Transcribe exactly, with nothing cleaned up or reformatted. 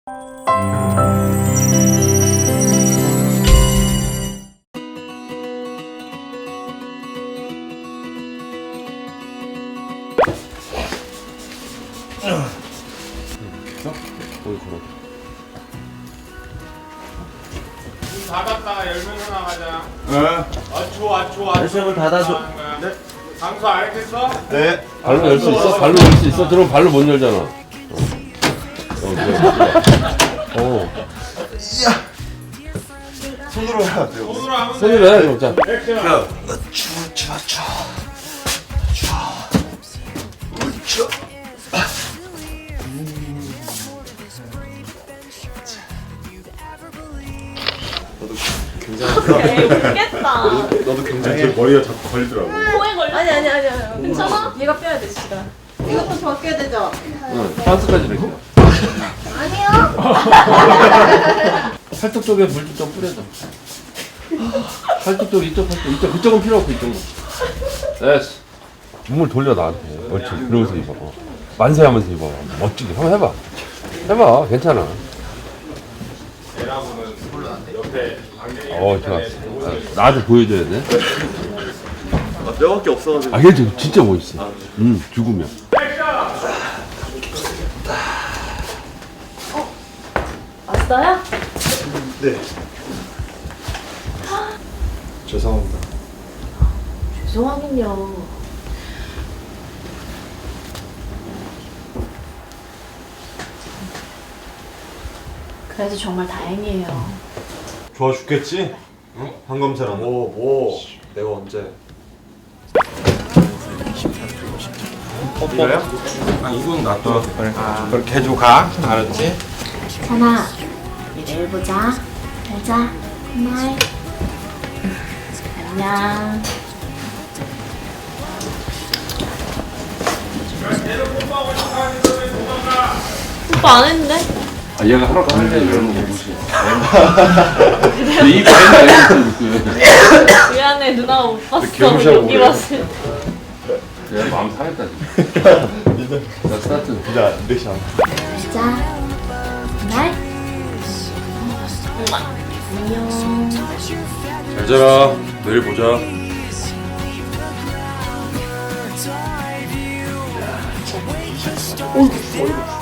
거기 걸어. 문 닫았다가 열면서 나가자. 네. 아초 아초 아초. 열쇠문 닫아줘. 네. 강수 알겠어? 네. 발로 열 수 있어? 발로 열 수 있어? 들어오면 발로 못 열잖아. 어, 어, 그래. 어. 손으로 해야 돼요. 손으로 하면 돼. 손으로 해, 그럼. 자. 액션. 추워 추워 추워 추워. 에이, 웃겠다. 너도 굉장히 머리가 자꾸 걸리더라고. 코에 걸려? 아니 아니 아니 아니. 괜찮아? 얘가 빼야 돼, 시간. 이것도 바뀌어야 되죠? 응, 반스까지 이렇게. 아니요. 팔뚝 쪽에 물 좀 뿌려줘. 팔뚝 쪽, 이쪽 팔뚝, 이쪽, 그쪽은 필요 없고, 이쪽은. 됐어. 몸을 돌려, 나한테. 옳지. 그러면서 입어. 어. 만세하면서 입어. 멋지게. 한번 해봐. 해봐. 괜찮아. 대나무는 옆에 안경이 어, 좋았어. 아, 나한테 보여줘야 돼. 아, 뼈밖에 없어가지고. 아, 얘 지금 진짜 멋있어. 응, 죽으면. 왔어요? 네. 죄송합니다. 죄송하긴요. 그래도 정말 다행이에요. 좋아 죽겠지? 응? 한검사랑. 뭐 뭐. 내가 언제? 이거요? 아 이건 놔둬. 그래. 아, 그렇게 해주고 가. 알았지? 찬아, 내일 보자. 잘자. 굿나잇. 안녕. 오빠 안 했는데? 아, 얘가 하러 가는데 이러는 거 무시. 이 반이 미안해, 누나가 못 봤어. 개무시하고 여기 그래. 봤을 때. 내가 마음 상했다, 지금. 자, 스타트. 진짜 렉시 안. 자, 굿나잇. 안녕. 잘 자라. 내일 보자. 오,